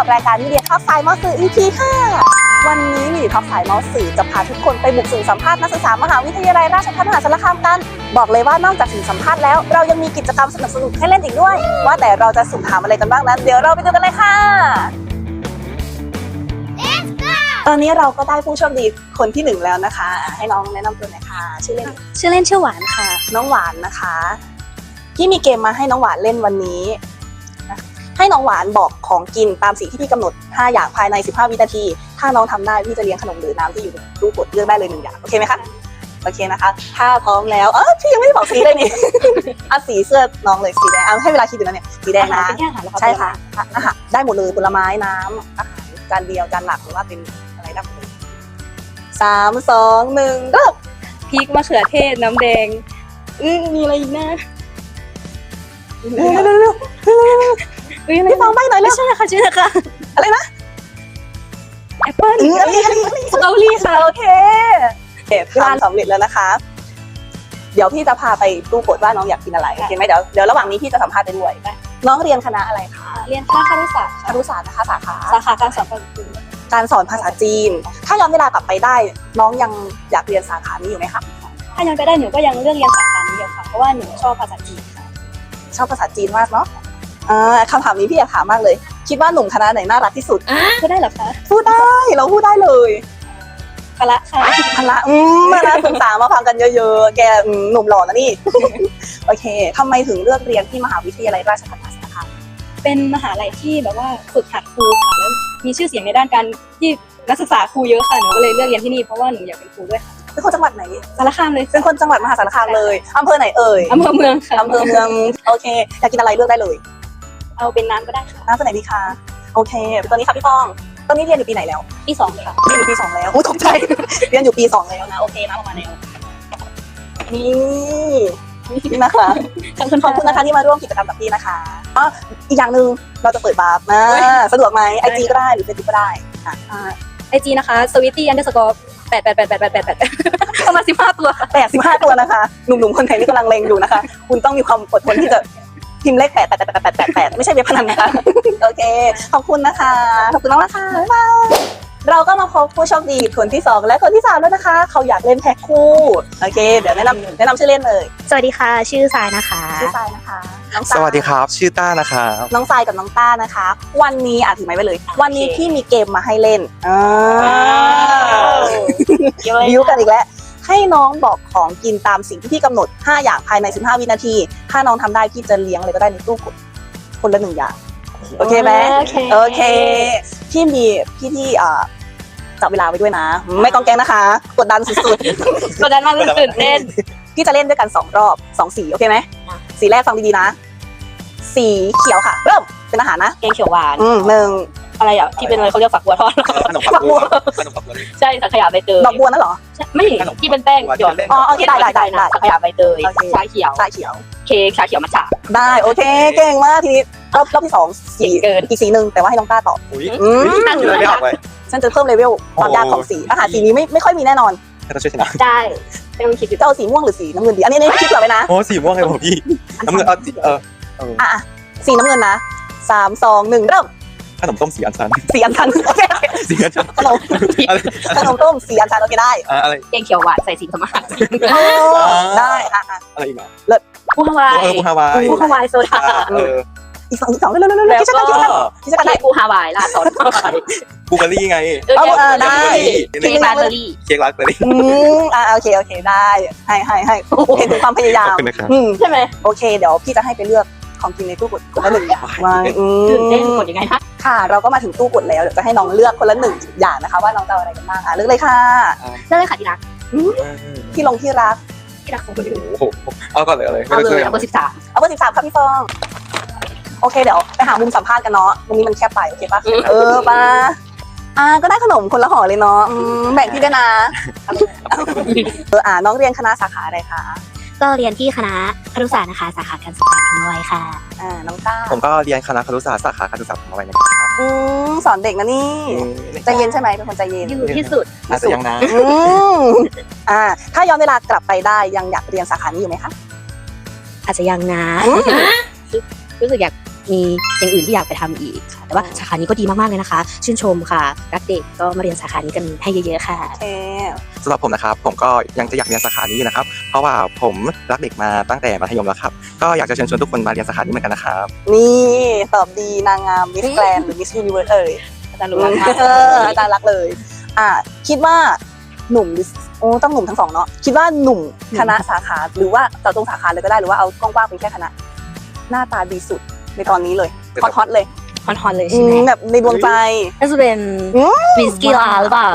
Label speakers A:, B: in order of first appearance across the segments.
A: กับรายการมิเดียท็อกสายมอสื่อ EP 5วันนี้มิเดียท็อกสายมอสื่อจะพาทุกคนไปบุกสื่อสัมภาษณ์นักศึกษามหาวิทยาลัยราชภัฏมหาสารคามกันบอกเลยว่านอกจากสื่อสัมภาษณ์แล้วเรายังมีกิจกรรมสนุกๆให้เล่นอีกด้วยว่าแต่เราจะสุ่มถามอะไรกันบ้างนั้นเดี๋ยวเราไปดูกันเลยค่ะตอนนี้เราก็ได้ผู้โชคดีคนที่1แล้วนะคะให้น้องแนะนำตัวหน่อยค่ะชื่อเล่นชื่อหวานค่ะน้องหวานนะคะที่มีเกมมาให้น้องหวานเล่นวันนี้ให้น้องหวานบอกของกินตามสีที่พี่กำหนด5อย่างภายใน15วินาทีถ้าน้องทำได้พี่จะเลี้ยงขนมหรือน้ำที่อยู่ในตู้กดเลือกได้เลย1อย่างโอเคไหมคะโอเคนะคะถ้าพร้อมแล้วพี่ยังไม่ได้บอกสีเลยนี่ สีเสื้อน้องเลยสีแดงให้เวลาคิดดูนะเนี่ยสีแดงนะใช่ค่ะอาหารได้หมดเลยผลไม้น้ำอาหารจานเดียวจานหลักหรือว่าเป็นอะไรได้หมดเลย3 2 1ก็
B: พริกมะเขือเทศน้ำแดงมีอะไรอีกนะ
A: เร็วพี่ฟังใบ้หน่อยเร็ว
B: ใช่ค่ะชื่อค่ะ
A: อะไรนะ
B: แอปเปิ้ล
A: สตรอเบอรี่ค่ะโอเคทานสำเร็จแล้วนะคะเดี๋ยวพี่จะพาไปตู้กดว่าน้องอยากกินอะไรโอเคไหมเดี๋ยวระหว่างนี้พี่จะสัมภาษณ์ไปด้วยน้องเรียนคณะอะไรคะ
B: เรียนคณะครุศาสตร์
A: นะคะสาขา
B: การสอนภาษาจีน
A: การสอนภาษาจีนถ้าย้อนเวลากลับไปได้น้องยังอยากเรียนสาขานี้อยู่ไหมคะ
B: ถ้าย้อนไปได้หนูก็ยังเลือกเรียนสาขานี้อยู่ค่ะเพราะว่าหนูชอบภาษาจีนค่ะ
A: ชอบภาษาจีนมากเนาะคำถามนี้พี่อยากถามมากเลยคิดว่าหนุ่มคณะไหนน่ารักที่สุด
B: พูดได้หรอคะ
A: พูดได้เราพูดได้เลย
B: พละค่ะ
A: พละมานะศึกษามาฟังกันเยอะๆแกหนุ่มหล่อนะนี่ โอเคทำไมถึงเลือกเรียนที่มหาวิทยาลัยราชภัฏมหาสารคาม
B: เป็นมหาลัยที่แบบว่าฝึกหัดครูค่ะแล้วมีชื่อเสียงในด้านการที่นักศึกษาครูเยอะค่ะหนูก็เลยเลือกเรียนที่นี่เพราะว่าหนูอยากเป็นครูด้วยค่ะ
A: เป็นคนจังหวัดไหน
B: สารคามเลย
A: เป็นคนจังหวัดมหาสารคามเลยอำเภอไหนเอ่ย
B: อำเภอเมืองค่ะ
A: อำเภอเมืองโอเคอยากกินอะไรเลือกได้เลย
B: เอาเป็นน้ำก็ได้ค่ะ
A: น้ำตัวไหนดีคะโอเคตอนนี้ค่ะพี่ฟองตอนนี้เรียนอยู่ปีไหนแล้ว
B: ปี2ค่ะ
A: เรียนอยู่ปี2แล้วตกใจ เรียนอยู่ปี2แล้วนะโอเคนะประมาณนี้นี่นะคะขอบคุณนะคะที่มาร่วมกิจกรรมกับพี่นะคะอีกอย่างหนึ่งเราจะเปิดบาร์สะดวกไหมIG ก็ได้หรือ Facebook ก็ได้
B: IG นะคะ sweetie_8888888ประมาณ15ตัวค่ะ
A: 85ตัวนะคะหนุ่มๆคนไหนที่กำลังเลงอยู่นะคะคุณต้องมีความอดทนที่จะพิมพ์เลข88888ไม่ใช่เว็บพนันนะคะโอเคขอบคุณนะคะขอบคุณมากนะคะบ๊ายบายเราก็มาพบผู้โชคดีคนที่2และคนที่3แล้วนะคะเขาอยากเล่นแพ็คคู่โอเคเดี๋ยวแนะนำชื่อเล่นเลย
C: สวัสดีค่ะชื่อทรายนะคะ
A: ชื่อทรายนะคะ
D: สวัสดีครับชื่อต้านะคะ
A: น้องทรายกับน้องต้านะคะวันนี้ถือไม้ไปเลยวันนี้พี่มีเกมมาให้เล่นบิ้วกันอีกแล้วให้น้องบอกของกินตามสิ่งที่พี่กำหนด5อย่างภายใน15วินาทีถ้าน้องทำได้พี่จะเลี้ยงอะไรก็ได้ในตู้กดคนละ1อย่างโอเคไหมโอเคพี่มีพี่ที่จับเวลาไว้ด้วยนะไม่ต้องแกล้งนะคะกดดันสุด
B: ๆกดดันมากตื่นเต้น
A: พี่จะเล่นด้วยกัน2รอบ2สีโอเคไหมสีแรกฟังดีๆนะสีเขียวค่ะเริ่มเป็นอาหารนะ
B: แกงเขียวหวาน
A: 1
B: อะไรอ่ะที่เป็นอะไรเขาเรียกฝักบัวทอด
D: ขนมฝักบัว
B: ใช่สังขยาใบเตย
A: ดอกบัวนั่นเหรอ
B: ไม่ที่เป็นแป้งหยอด
A: โอเคได้
B: สังขยาใบเตยชาเขียวเค้กชาเขียวมัทฉะ
A: ได้โอเคเก่งมากทีนี้รอบที่2สีอีกสีนึงแต่ว่าให้น้องต้าตอบ
D: ไม่ออกเลย
A: ฉันจะเพิ่มเลเวลความยากของสีอาหารสีนี้ไม่ค่อยมีแน่นอน
D: จะช่วยชนะ
B: ได้ต้องคิด
A: จะเอาสีม่วงหรือสีน้ำเงินดีอันนี้คิดเผื่อไว้นะ
D: โอ้สีม่วงไงผมพี่น้ำเงิน
A: สีน้ำเงินนะ3 2 1เริ่ม
D: ขนมต้มสีอัญชัน
A: สีอัญชันโอเค
D: สีอัญชัน
A: ขนมต้มสีอัญชันโอเคได้
D: อะไร
B: แกงเขียวหวานใส่สีธรรมะ
A: ได้
D: อะไรอีกอ่ะ
B: เลิศปูฮาวายโซดา
A: อีก2เร็ว
B: ที่จะได้ปูฮาวายล่าสุด
D: บูเบอรี่ไง
A: ได้
B: เค้กราสเบอรี่
A: โอเคได้ให้เห็นถึงความพยายาม
B: ใช่ไหม
A: โอเคเดี๋ยวพี่จะให้ไปเลือกของกินในตู้กดคนละ1อย่าง
B: ตื่นเต้นกดยังไงคะ
A: ค่ะเราก็มาถึงตู้กดแล้วเดี๋ยวจะให้น้องเลือกคนละ1อย่างนะคะว่าน้องจะอะไรกันบ้างเลือกเลยค่ะ
B: เลือกเลยค่ะที่รัก
A: ที่รัก
D: ของคนอื่นเอาก่อนเลย
B: เอาเบอร์13
A: เอาเบอร์13ครับพี่ฟองโอเคเดี๋ยวไปหามุมสัมภาษณ์กันเนาะตรงนี้มันแคบไปโอเคป่ะป่ะก็ได้ขนมคนละห่อเลยเนาะแบ่งพี่ด้วยนะน้องเรียนคณะสาขาอะไรคะ
C: ก็เรียนที่คณะครุศาสตร์นะคะสาขาการศึกษาธรรมวัยค่ะ
A: น้องต้า
D: ผมก็เรียนคณะครุศาสตร์สาขาการศึกษาธรรมวัยนะครับ
A: สอนเด็กนะนี่ใจเย็นใช่ไหมเป็นคนใจเย็น
B: อยู่ที่สุด
D: น่าจะยังนะ
A: ถ้าย้อนเวลากลับไปได้ยังอยากเรียนสาขานี้อยู่ไหมคะ
C: อาจจะยังนะ
B: รู้สึกอยาก
C: มีอย่างอื่นที่อยากไปทำอีกค่ะแต่ว่าสาขานี้ก็ดีมากๆเลยนะคะ ชื่นชมค่ะรักเด็กก็มาเรียนสาขานี้กันให้เยอะๆค่ะ
A: โอเค
D: สำหรับผมนะครับผมก็ยังจะอยากเรียนสาขานี้อยู่นะครับเพราะว่าผมรักเด็กมาตั้งแต่มัธยมแล้วครับก็อยากจะเชิญชวนทุกคนมาเรียนสาขานี้เหมือนกันนะครับ
A: นี่ตอบดีนางงามมิสแกรนหรือมิสยูนิเวิร์สเอ่ย
B: อาจารย์รู้รักมาก
A: อาจารย์รักเลย คิดว่าหนุ่มหรือต้องหนุ่มทั้งสองเนาะคิดว่าหนุ่มคณะสาขาหรือว่าเจาะจงสาขาเลยก็ได้หรือว่าเอากว้างๆเป็นแค่คณะหน้าตาดีสุดในตอนนี้เลยฮอตๆเลย
C: ฮอนๆเลยใช่ไหม
A: แบบในดวงใจ
C: น่าจะเป็นวิสกี้ลาหรือเปล่า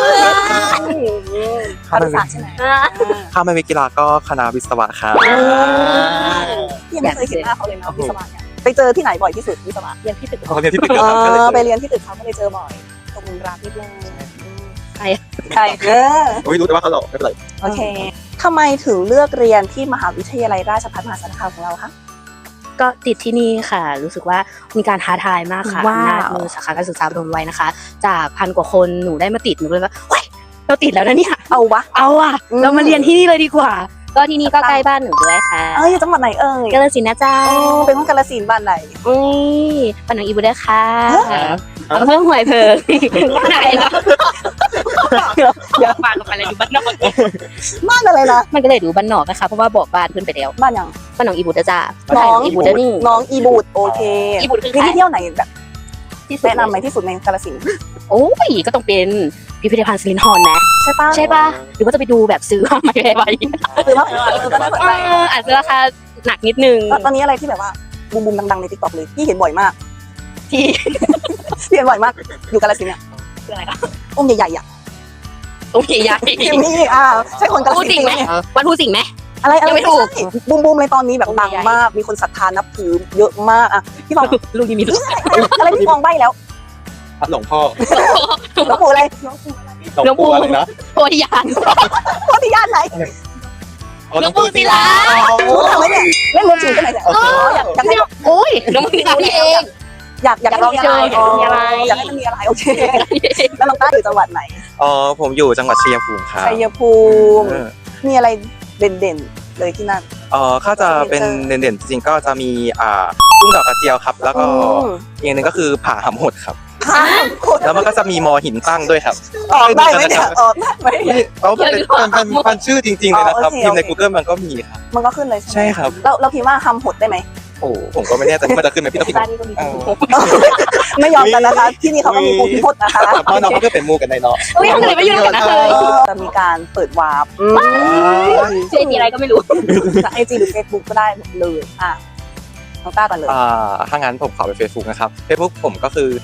A: ครุศาสตร์ใช่ไหม
D: ถ้าไม่มีกีฬาก็คณะวิศวะครับ
A: พี่ยังไม่เคยเห็นหน้าเขาเลยนะวิศวะเนี่ยไปเจอที่ไหนบ่อยที่สุดวิศวะ
B: เรียนที่ตึก
D: เขาเรียนที่ตึกเดียวกันก็เลย
A: ไปเรียนที่ตึกเขาก็เลยเจอบ่อยตรงรักนิดนึง
C: ใคร
A: ใช่
D: ไม่รู้แต่ว่าเขาหลอกไม่เป็นไร
A: โอเคทำไมถึงเลือกเรียนที่มหาวิทยาลัยราชภัฏมหาสารคามของเราคะ
C: ก็ติดที่นี่ค่ะ รู้สึกว่ามีการท้าทายมากค่ะ
A: ว้าว
C: อำนาจมือสาขาการศึกษาปฐมวัยนะคะ จากพันกว่าคนหนูได้มาติดหนูก็เลยว่าเฮ้ยเราติดแล้วนะเนี่ย
A: เอาวะ
C: เอาอ่ะ
A: อืม
C: เรามาเรียนที่นี่เลยดีกว่า ก็ที่นี่ก็ใกล้บ้านหนูด้วยค่ะ
A: อยู่จังหวัดไหนเอ่ย
C: กาฬสินธุ์นะจ๊ะ
A: เป็นคนกาฬสินธุ์บ้านไหน
C: อุ้ยปานหนองอีบุด้วยค่ะ
A: ฮะ
C: อำเภอห้วยเพิงไหนล่ะ
A: เดี๋ยว
C: บ้านกับอะไรอยู่บ้านนอก
A: บ้านอะไรนะ
C: มันก็เลยดูบ้านนอกนะคะเพราะว่าบอกบ้านขึ้นไปแล้ว
A: บ้านยัง
C: ปานหนองอีบุนะจ๊ะ
A: น้อง
C: อีบุนะนี่
A: น้องอีบูดโอเค
C: อีบุคือ
A: มี
C: ใคร
A: ที่เที่ยวไหนแบบ
C: ที่สุด
A: แนะนำไหมที่สุดในกาฬสินธุ์
C: โอ้ยก็ต้องเป็นพิพิธภัณฑ์สิรินธรนะ
A: ใช่ปะ
C: ใช่ป่ะหรือว่าจะไปดูแบบซื้อมาไม่ได้ไป
A: หรือว่าก็น่าสนใจ
C: อาจจะราคาหนักนิดนึง
A: ตอนนี้อะไรที่แบบว่าบูมดังๆในทิกตอกเลยพี่เห็นบ่อยมาก
C: ที่
A: พี่เห็นบ่อยมากอยู่กาฬสินธุ์เนี่ย
C: คืออะไรคะ
A: องค์ใหญ่ๆอ่ะ
C: โอเคยาย
A: นี่ใช่คนกาฬ
C: พูด
A: สิน
C: จริง
A: ธุ์
C: ไหม
A: ไหม
C: วันพูดจริงไหม
A: อะไร
C: ยังไม่ถูก
A: บูมเลยตอนนี้แบบดังมากมีคนศรัทธานับถือเยอะมากอ่ะพี่ฟอง
C: ลูกนี่มีลูก
A: อะไรพี่ฟองใบแล้ว
D: พัดหลวงพ่อ
A: หลวงปู่อะไร
D: หลวงปู่อะไรนะ
C: โพธิญาณ
A: โคตรย่านไหน
C: หลวงปู่ศิลา
A: รู้ทำไหมเนี่ยเล่นรวมจริงกันไหนเนี่ยอยากให้
C: โอ้ยหลวงปู่ศิลานี่เอง
A: อยากให้มีอะไร
C: อยากให้มีอะไร
A: อยากให้มันมีอะไรโอเคแล้วน้องต้าอยู่จังหวัดไหน
D: ผมอยู่จังหวัดชัยภูมิครับ
A: ชัยภูมิมีอะไรเด่นๆเลยที่นั่น
D: ถ้าจะเป็นเด่นๆจริงๆก็จะมีกุ้งดอกกระเจียวครับ แล้วก็อีกอย่างหนึ่งก็คือผาหำหดครับ แล้วมันก็จะมีมอหินตั้งด้วยครับ
A: ออกได้ไหมเนี่ยออกได้ไหม
D: เขาเป็นชื่อจริงๆเลยนะครับพิมพ์ใน Google มันก็มีครับ
A: มันก็ขึ้นเลยใช่ไหม
D: ใช่ครับ
A: เราพิมพ์ว่าคำหดได้ไหม
D: โอ้ผมก็ไม่แน่ใจว่ามันจะขึ้นไหมพี่ต้องพิมพ์
C: บ้านนี้ก็มี
A: ไม่ยอมกันนะคะที่นี่เขาก็มีปูพิพจน์นะคะ
D: เพราะน้องเขาก็เป็นมูกันในเนาะ
C: อุ้ยทำไมไม่ยุ่งกันนะเลย
A: จะมีการเปิดวาร์ป
C: ชื่ออะไรก็ไม่รู้
A: ไอจีหรือเฟซบุ๊กก็ได้หมดเลยน้องต้าก่อนเลย
D: ถ้างั้นผมขอไป Facebook นะครับ Facebook ผมก็คือ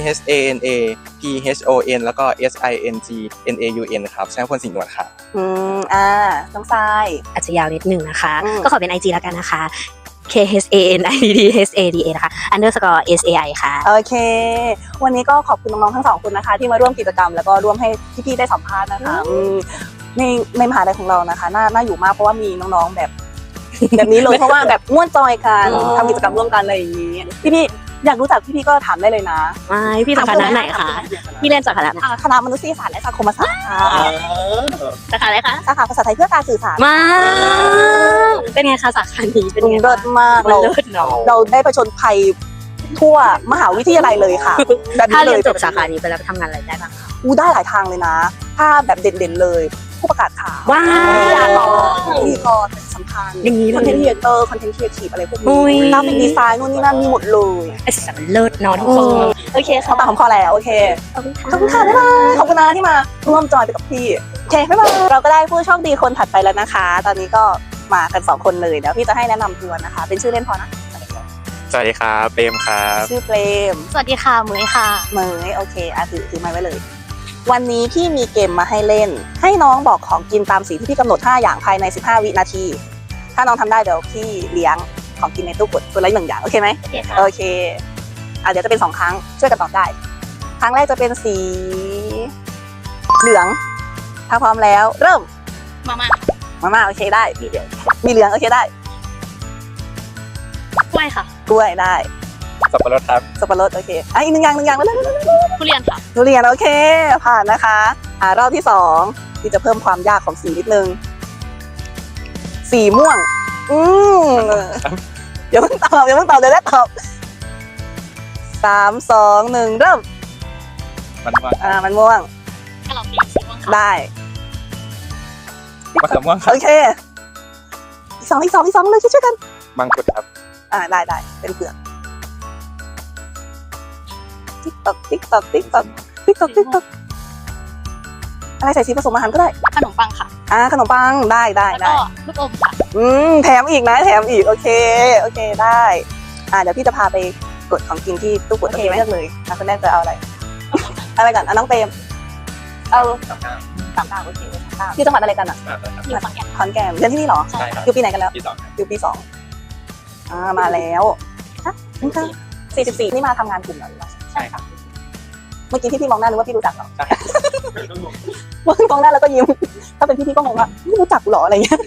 D: CHANAPHON แล้วก็ SINGNAUN ครับใช้คนสิงห์นวลครับ
A: น้องทราย
C: อาจจะยาวนิดนึงนะคะ
A: อืม
C: ก็ขอเป็น IG แล้วกันนะคะ KHANIDHADA นะคะ underscore SAI ค่ะ
A: โอเค วันนี้ก็ขอบคุณน้องๆทั้งสองคนนะคะ ที่มาร่วมกิจกรรมแล้วก็ร่วมให้พี่ๆได้สัมภาษณ์นะคะในมหาลัยของเรานะคะน่าอยู่มากเพราะว่ามีน้องๆแบบนี้เลยเพราะว่าแบบม่วนจอยกันทำกิจกรรมร่วมกันอะไรอย่างนี้พี่ๆอยากรู้จักพี่ๆก็ถามได้เลยนะ
C: ไม่พี่จากคณะไหนคะพี่เรียนจากคณะไหน
A: คณะมนุษยศาสตร์และสังคมศาสตร์ค่ะ
C: สาขาอะไรคะ
A: สาขาภาษาไทยเพื่อการสื่อสาร
C: มาเป็นไงคะสาขานี้เป็นไง
A: เลิศมาก
C: มันเลิศเนาะ
A: เราได้ผจญภัยทั่วมหาวิทยาลัยเลยค่ะแบบ
C: ถ้า
A: นี้
C: เรี
A: เลย
C: นจบสาขานี้ไปแล้วทำงานอะไรได้บ้างคะ
A: ได้หลายทางเลยนะ ถ้าแบบเด่นๆเลย ผู้ประกาศข่าว
C: ว้าว
A: วิทยากรพิธีกรสำคัญ
C: อย่างนี้เลย
A: คอนเทนต์ครีเอเตอร์คอนเทนต์ครีเอทีฟอะไรพวก
C: อุ้
A: นี้
C: ย
A: กราฟิกดีไซน์นู่นนี่นั่นมีหมดเลย
C: ไอ้สันเลิศเนอนทุกคนโอเคค่ะ
A: เขาตามคำขอแล้วโอเค
C: ขอบคุณค่ะ
A: ขอบคุณค่ะบ๊ายบายขอบคุณนะที่มาร่วมจอยไปกับพี่โอเคบ๊ายบายเราก็ได้ผู้โชคดีคนถัดไปแล้วนะคะ ตอนนี้ก็มากัน2คนเลยเดี๋ยวพี่จะให้แนะนำตัวนะคะ เป็นชื่อเล่นพอนะ
D: สวัสดีครับเปรมครับ
A: ชื่อเปรม
C: สวัสดีค่ะเหมยค่ะ
A: เหมยโอเคถือไม้ไว้เลย วันนี้พี่มีเกมมาให้เล่น ให้น้องบอกของกินตามสีที่พี่กำหนด5อย่างภายใน15วินาที ถ้าน้องทำได้เดี๋ยวพี่เลี้ยงของกินในตู้กดตัวละ1อย่างโอเคไหม
C: โอเคค่ะ
A: โอเคเดี๋ยวจะเป็น2ครั้งช่วยกันตอบได้ ครั้งแรกจะเป็นสีเหลือง ถ้าพร้อมแล้ว เริ่ม มาโอเคได้มีเหลืองโอเคได้
C: กล้วยค่ะ
A: กล้วยได้
D: สับปะรดครับ
A: สับปะรดโอเคอีกหนึ่งอย่างแล้ว
C: ทุเรียนค่ะ
A: ทุเรียนโอเคผ่านนะคะรอบที่2ที่จะเพิ่มความยากของสีนิดนึงสีม่วงเดี๋ยวเพิ่งตอบเดี๋ยวได้ตอบ 3 2 1 เริ่ม
D: มันม่วง
A: มันม่วง
B: กระหล่ำปีสีม่วงค่ะ
A: ได้
D: มะเขือม่วงครั
A: โอบ เคอีกสองเลยช่วยๆกัน
D: มังคุดครับ
A: ได้เป็นเปลือกติ๊กตอกอะไรใส่สีผสมอาหารก็ได้
B: ขนมปังค่ะ
A: ขนมปังได้
B: แล้วก็ลูกอมค่ะ
A: แถมอีกโอเคได้เดี๋ยวพี่จะพาไปกดของกินที่ตู้กดโอเคไหมเลือกเลยคุณแม่จะเอาอะไรอะไรก่อนน้องเปรมเอา3 ดาวโอเคที่จังหวัดอะไรกันอ่ะ
B: อยู่ฝั่งแก่น
A: ขอนแก่นเรียนที่นี่เหรอ
D: ใช่ครับ
A: อยู่ปีไหนกันแล้ว
D: ที่2ครับ
A: อยู่ปี 2มาแล้ว44นี่มาทำงานกลุ่มเหรอหรือว่า
D: ใช่ครับ
A: เมื่อกี้พี่มองหน้านึกว่าพี่รู้จักเหรอ
D: ใช่
A: มองหน้าแล้วก็ยิ้มถ้าเป็นพี่ก็งงว่าไม่รู้จักกูเหรออะไรเงี้ย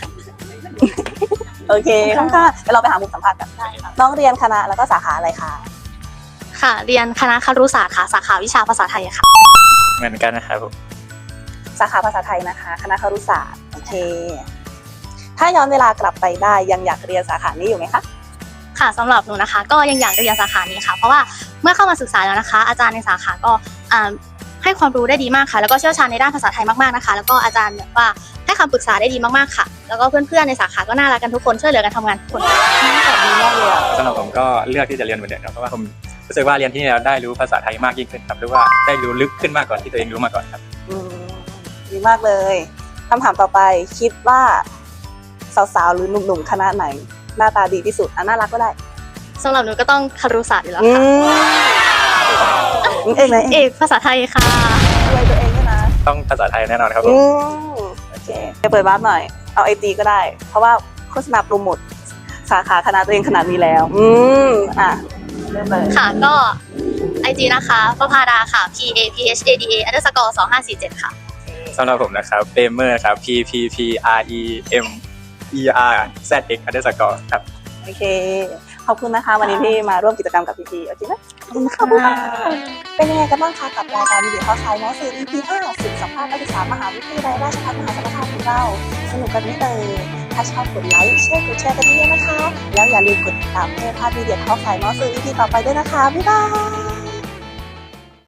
A: โอเคข้างๆเดี๋ยวเราไปหามุมสัมภาษณ์กันน้องเรียนคณะแล้วก็สาขาอะไรคะ
B: ค่ะ เรียนคณะครุศาสตร์ค่ะ สาขาวิชาภาษาไทยค่ะ
D: เหมือนกันนะครับผม
A: สาขาภาษาไทยนะคะคณะครุศาสตร์โอเค ถ้าย้อนเวลากลับไปได้ยังอยากเรียนสาขานี้อยู่ไหมคะ
B: ค่ะสำหรับหนูนะคะ ก็ยังอยากเรียนสาขานี้ค่ะ เพราะว่าเมื่อเข้ามาศึกษาแล้วนะคะ อาจารย์ในสาขาก็ให้ความรู้ได้ดีมากค่ะ แล้วก็เชี่ยวชาญในด้านภาษาไทยมากๆนะคะ แล้วก็อาจารย์แบบว่าให้คำปรึกษาได้ดีมากๆค่ะ แล้วก็เพื่อนๆในสาขาก็น่ารักกันทุกคนช่วยเหลือกันทำงานทุกคน
A: ดีมากเลยอะ
E: สำหรับผมก็เลือกที่จะเรียนเหมือนเดิมครับเพราะว่าผมรู้สึกว่าเรียนที่นี่แล้วได้รู้ภาษาไทยมากยิ่งขึ้นครับหรือว่าได้รู้ลึกขึ้นมากกว่าที่ตัวเองรู้มาก่อนครับ
A: ดีมากเลยคำถามต่อไปคิดว่าสาวๆหรือหนุ่มๆคณะไหน หน้าตาดีที่สุดน่ารักก็ได้
B: สำหรับหนูก็ต้องครุศาสตร์อยู่แล้ว
A: อื
B: ค่ะ
A: เองไหม
B: เอกภาษาไทยค่ะ
A: ช่วยตัวเองด้วยนะ
E: ต้องภาษาไทยแน่นอนครับผม
A: โอเคไปเปิดวาร์ปหน่อยเอาไอจีก็ได้ เพราะว่าโฆษณาโปรโมทสาขาคณะตัวเองขนาดนี้แล้วเริ่มเลย
B: ค่ะก็ IG นะคะประภาดาค่ะ PAPHADA_2547 ค่ะ
E: สำหรับผมนะครับเปเมอร์ครับ PPPREMERZX_ ครับ
A: โอเคขอบคุณนะคะ วันนี้ที่มาร่วมกิจกรรมกับพี่ๆโอเคไหมขอบคุณค่ะเป็นยังไงกันบ้างคะกับรายการวิดีโอข่าวน้องสื่อ EP 5สื่อสัมภาษณ์นักศึกษามหาวิทยาลัยราชภัฏมหาสารคามของเราสนุกกันไหมเอ่ยถ้าชอบกดไลค์แชร์กดแชร์กันเยอะๆนะคะ แล้วอย่าลืมกดติดตามเพื่อพลาดวิดีโอข่าวน้องสื่อ EP ต่อไปด้วยนะคะบ๊ายบาย